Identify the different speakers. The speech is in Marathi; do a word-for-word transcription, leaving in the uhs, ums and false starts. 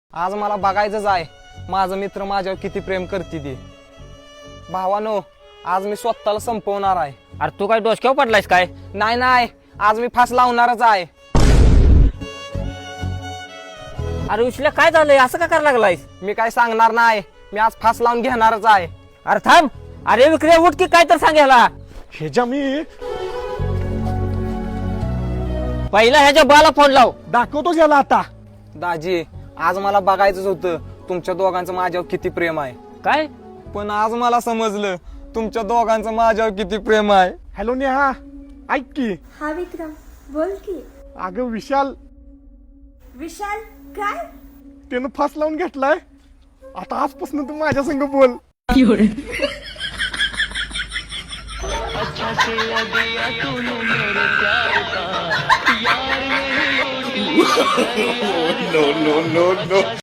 Speaker 1: आज मला बघायचंच आहे माझा मित्र माझ्यावर किती प्रेम करते ती। भावानो, आज मी स्वतःला संपवणार आहे।
Speaker 2: अरे तू काय डोसक्यावर पडलायस काय?
Speaker 1: नाही नाही, आज मी फास लावणारच आहे।
Speaker 2: अरे उशल्या काय झालंय, असं का करायला लागलायस?
Speaker 1: मी काय सांगणार नाही, मी आज फास लावून घेणारच आहे।
Speaker 2: अरे थांब, अरे विक्रिया उठ की काय तर सांगायला।
Speaker 3: ह्याच्या मी
Speaker 2: पहिला ह्याच्या बाला फोन लाव।
Speaker 3: दाखवतो याला आता।
Speaker 1: दाजी, आज मला बघायचंच होतं तुमच्या दोघांचं माझ्यावर किती प्रेम आहे।
Speaker 2: काय?
Speaker 1: पण आज मला समजलं तुमच्या दोघांचं माझ्यावर किती प्रेम आहे।
Speaker 3: हॅलो नेहा, ऐक की।
Speaker 4: हा विक्रम, बोल की।
Speaker 3: अगं विशाल,
Speaker 4: विशाल काय?
Speaker 3: त्यानं फास लावून घेतलाय। आता आजपासून तू माझ्या संग बोल।
Speaker 5: no, no, no, no.